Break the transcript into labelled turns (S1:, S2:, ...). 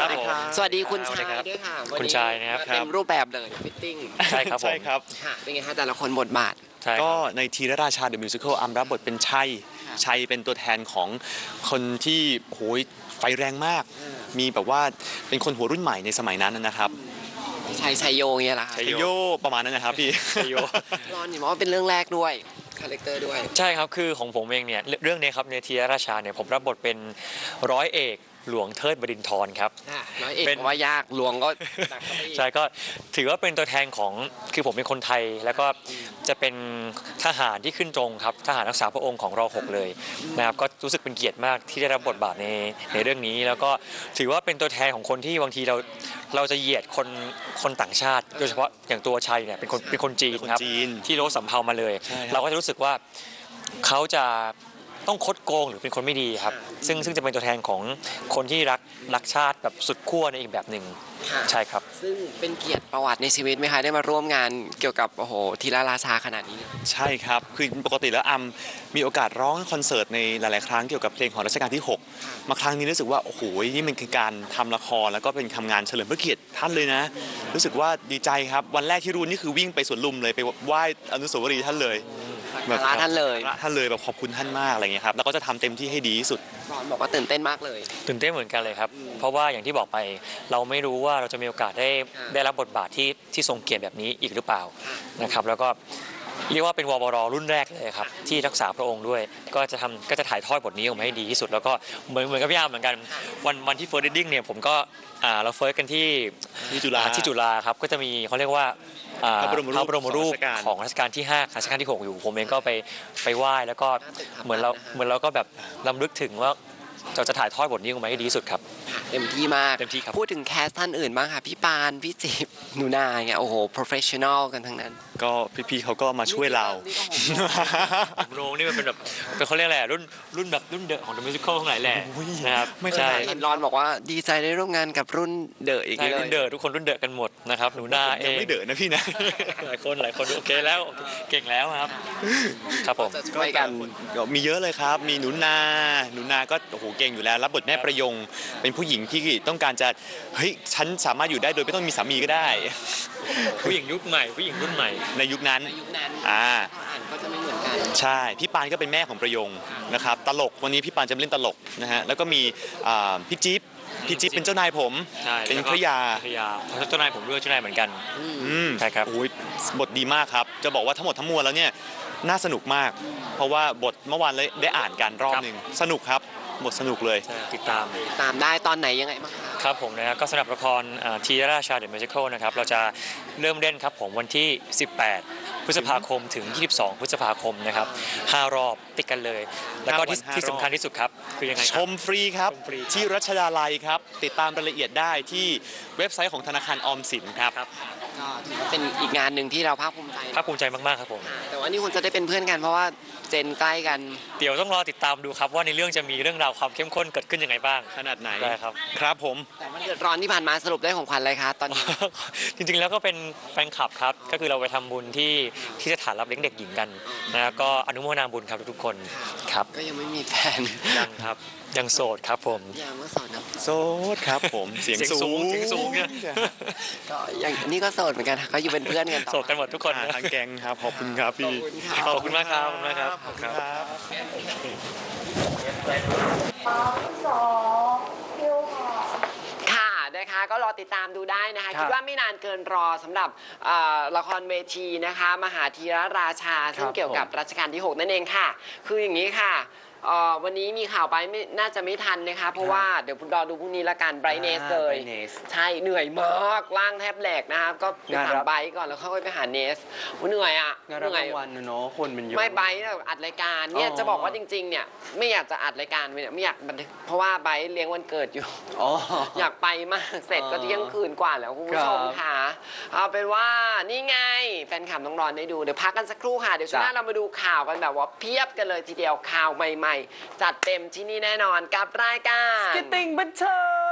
S1: ครับผม
S2: สวัสดีคุณชายด้วยค่ะ
S1: คุณชายนะครับ
S2: เต็มรูปแบบเลยฟิตติ้ง
S1: ใช่ครับผม
S3: ใช่ครับ
S2: ค่ะเป็นไงคะแต่ละคนบทบาท
S1: ใช่ค
S3: ก็
S1: รับ
S3: ในทีรราชาเดอะมิวสิควลอัมรับบทเป็นชัย
S2: ค่ะ
S3: ชัยเป็นตัวแทนของคนที่โหยไฟแรงมาก มีแบบว่าเป็นคนหัวรุ่นใหม่ในสมัยนั้นนะครับ
S2: ชัยโยเงี้ยเหรอคะ
S1: ชัย
S3: โยประมาณนั้นนะครับพี่
S1: ชัยโย
S2: รอนเห็นว่าเป็นเรื่องแรกด้วยคาแรคเตอร์ด้วย
S1: ใช่ครับคือของผมเองเนี่ยเรื่องนี้ครับในทีรราชาเนี่ยผมรับบทเป็นร้อยเอกหลวงเทิดบดินทร์ครับ
S2: ร้อยเอก
S1: เป็น
S2: ว่ายากหลวงก็หนักเข้าไปอีก
S1: ใช่ก็ถือว่าเป็นตัวแทนของคือผมเป็นคนไทย แล้วก็จะเป็นทหารที่ขึ้นตรงครับทหารรักษาพระองค์ของร6เลยนะครับก็รู้สึกเป็นเกียรติมากที่ได้รับบทบาทในเรื่องนี้ แล้วก็ถือว่าเป็นตัวแทนของคนที่บางทีเราจะเหยียดคนต่างชาติ โดยเฉพาะอย่างตัวชัยเนี่ยเป็นคนจีนครับ
S3: เป็นคนจีน
S1: ที่โลสำเภามาเลย
S3: ใช่ครับ
S1: เราก็จะรู้สึกว่าเขาจะต้องคดโกงหรือเป็นคนไม่ดีครับซึ่งจะเป็นตัวแทนของคนที่รักชาติแบบสุดขั้วในอีกแบบหนึ่ง
S2: ค่ะ
S1: ใช่ครับ
S2: ซึ่งเป็นเกียรติประวัติในชีวิตไหมคะได้มาร่วมงานเกี่ยวกับโอ้โหทีละราชาขนาดนี้
S3: ใช่ครับ คือปกติแล้วมีโอกาสร้องคอนเสิร์ตในหลาย ๆ ครั้งเกี่ยวกับเพลงของรัชกาลที่ 6 มาครั้งนี้รู้สึกว่าโอ้โหนี่มันคือการทำละครแล้วก็เป็นทำงานเฉลิมพระเกียรติท่านเลยนะ รู้สึกว่าดีใจครับ วันแรกที่รู้นี่คือวิ่งไปสวนลุมเลยไปไหว้อนุสาวรีย์ท่านเลย
S2: สักการะท่านเลย
S3: ท่านเลยแบบขอบคุณท่านมากอะไรเงี้ยครับแล้วก็จะทำเต็มที่ให้ดีที่สุด
S2: รอนบอกว่าตื่นเต้นมากเลย
S1: ตื่นเต้นเหมือนกันเลยครับ เพราะว่าอย่างที่บอกไปเราไม่รู้ว่าเราจะมีโอกาสได้รับบทบาทที่ทรงเกียรติแบบนี้อีกหรือเปล่านะครับแล้วก็เรียกว่าเป็นวบรรุ่นแรกเลยครับที่รักษาพระองค์ด้วยก็จะถ่ายทอดบทนี้ออกมาให้ดีที่สุด แล้วก็เหมือนกับพี่อาร์มเหมือนกันวันที่เฟิร์สเรดดิ้งเนี่ยผมก็เราเฟิร์สกันที่
S3: จุฬา
S1: ที่จุฬาครับก็จะมีเขาเรียกว่า
S3: พระบรมรูป
S1: ของรัชกาลที่5รัชกาลที่ 6 อยู่ผมเองก็ไปไหว้แล้วก็เหมือนเราก็แบบรำลึกถึงว่าเราจะถ่ายทอดบทนี้ออกมาให้ดีที่สุดครับ
S2: เต็มที่มาก
S1: เต็มที่ครับ
S2: พูดถึงแคสท่านอื่นบ้างค่ะพี่ปานพี่จิบหนูนาเงี้ยโอ้โห professional กันทั้งนั้น
S3: ก็พี่ๆเขาก็มาช่วยเรา
S2: นี่ก็ผม
S1: โรงนี่มันเป็นแบบเป็นเขาเรียกอะไรรุ่นแบบรุ่นเดอะของ The Musical ทั้งหลายแหละนะครับ
S3: ไม่
S1: ใช่
S2: เห็นรอนบอกว่าดีใจได้ร่วมงานกับรุ่นเดอะอีก
S1: ใช่
S2: เล
S1: รุ่
S2: ย
S1: นเดอะทุกคนรุ่นเดอะกันหมดนะครับหนูนาเอ
S3: ยัง
S1: ง
S3: ไม่เด๋อนะพี่นะ
S1: หลายคนโอเคแล้วเก่งแล้วครับครับผม
S2: จะช่วยกัน
S3: มีเยอะเลยครับ มีหนูนาก็โอ้โหเก่งอยู่แล้วรับบทแม่ประยง เป็นผู้หญิงที่ต้องการจะเฮ้ยฉันสามารถอยู่ได้โดยไม่ต้องมีสามีก็ได้
S1: ผู้หญิงยุคใหม่ผู้หญิงรุ่นใหม่
S3: ในยุคนั้น
S2: ในยุคนั้น
S3: อ่า
S2: อ่านก็จะไม่เหมือนกัน
S3: ใช่พี่ปานก็เป็นแม่ของประยงนะครับตลกวันนี้พี่ปานจะมาเล่นตลกนะฮะแล้วก็มีพี่จิ๊บเป็นเจ้านายผม
S1: ใช่
S3: เป็นภรรยา
S1: ภรรยาเจ้านายผมด้วยเจ้านายเหมือนกัน ใช่ครับ
S3: โอ้ยบทดีมากครับ จะบอกว่าทั้งหมดทั้งมวลแล้วเนี่ยน่าสนุกมาก เพราะว่าบทเมื่อวานเลยได้อ่านกันรอบหนึ่งสนุกครับบทสนุกเลย
S1: ติดตาม
S2: ตามได้ตอนไหนยังไงบ้างคะ
S1: ครับผมนะครับก็สำหรับละครทีราชาเดอะมิวสิคลนะครับเราจะเริ่มเล่นครับผมวันที่ 18 พฤษภาคมถึง 22 พฤษภาคมนะครับ5 รอบติดกันเลย แล้วก็ที่
S3: 5 วัน
S1: ที่สำคัญที่สุดครับคือยังไงค
S3: ช
S1: รับ
S3: มฟรีครับ
S1: ชมฟรี
S3: ที่รัชดาลัยครับ ติดตามรายละเอียดได้ที่เว็บไซต์ของธนาคารออมสินครับ
S1: ครับ
S2: ก็ถือว่าเป็นอีกงานหนึ่งที่เราภาคภูมิใจ
S1: ภาคภูมิใจมากๆครับผม
S2: แต่ว่านี่คุณจะได้เป็นเพื่อนกันเพราะว่าเจนใกล้กัน
S1: เดี๋ยวต้องรอติดตามดูครับว่าในเรื่องจะมีเรื่องราวความเข้มข้นเกิดขึ้นยังไงบ้าง
S3: ขนาดไหน
S1: ได้ครับ
S3: ครับผม
S2: แต่วันเดือดร้อนที่ผ่านมาสรุปได้ของขวัญอะไรคะตอนนี้
S1: จริงๆแล้วก็เป็นแฟนคลับครับก็คือเราไปทำบุญที่สถานรับเลี้ยงเด็กหญิงกันนะก็อนุโมทนาบุญครับทุกๆคนครับ
S2: ก็ยังไม่มีแฟน
S1: ยังครับยังโสดครับผม
S2: ยามเมื่อสอนนะ
S3: โสดครับผมเสียงสูง
S1: เสียงสูงเนี่ย
S2: ก็อย่างนี่ก็โสดเหมือนกันค่ะก็อยู่เป็นเพื่อนกันต่อ
S1: โสดกันหมดทุกคนนะ
S3: ทางแกงครับขอบคุณครับพี่
S1: ขอบคุณมากครับขอบคุณมากครับ
S3: ขอบคุณครับ
S2: ค่ะนะคะก็รอติดตามดูได้นะคะ
S4: ครับ
S2: คิดว่าไม่นานเกินรอสำหรับละครเวทีนะคะมหาธีรราชา ซึ่งเกี่ยวกับรัชกาลที่ 6 นั่นเองค่ะ คืออย่างนี้ค่ะวันนี้มีข่าวไปน่าจะไม่ทันนะคะ เพราะว่าเดี๋ยวรอดูพรุ่งนี้ละกันไบรเนสเลย
S4: Brightness
S2: ใช่เหนื่อยมากร่างแทบแหลกนะคะก็ไป
S4: งาน
S2: ถาม
S4: รับ
S2: ไบรท์ก่อนแล้วค่อยไปหาเนสเหนื่อยอ่ะ
S4: งาน
S2: เห
S4: รับ
S2: นื่อย
S4: รางวัลเนาะคนมันเยอะ
S2: ไม่ไบร์ทเนี่ยอัดรายการเนี่ย
S4: อ๋อ
S2: จะบอกว่าจริงๆเนี่ยไม่อยากจะอัดรายการเนี่ยไม่อยากบันทึกเพราะว่าไบร์ทเลี้ยงวันเกิดอยู่
S4: อ๋อ
S2: อยากไปมากเสร็จก็เที่ยงคืนกว่าแล้วคุณผู้ชม
S4: ครับ
S2: ค่ะเอาเป็นว่านี่ไงแฟนคลับน้องรอนได้ดูเดี๋ยวพักกันสักครู่ค่ะเดี๋ยวช่วงหน้า
S4: จ้ะ
S2: เรามาดูข่าวกันแบบว่าเพียบกันเลยทีเดียวข่าวใหม่ๆ จัดเต็มที่นี่แน่นอนกับรายการ
S4: สกิตติ้งบันเทิง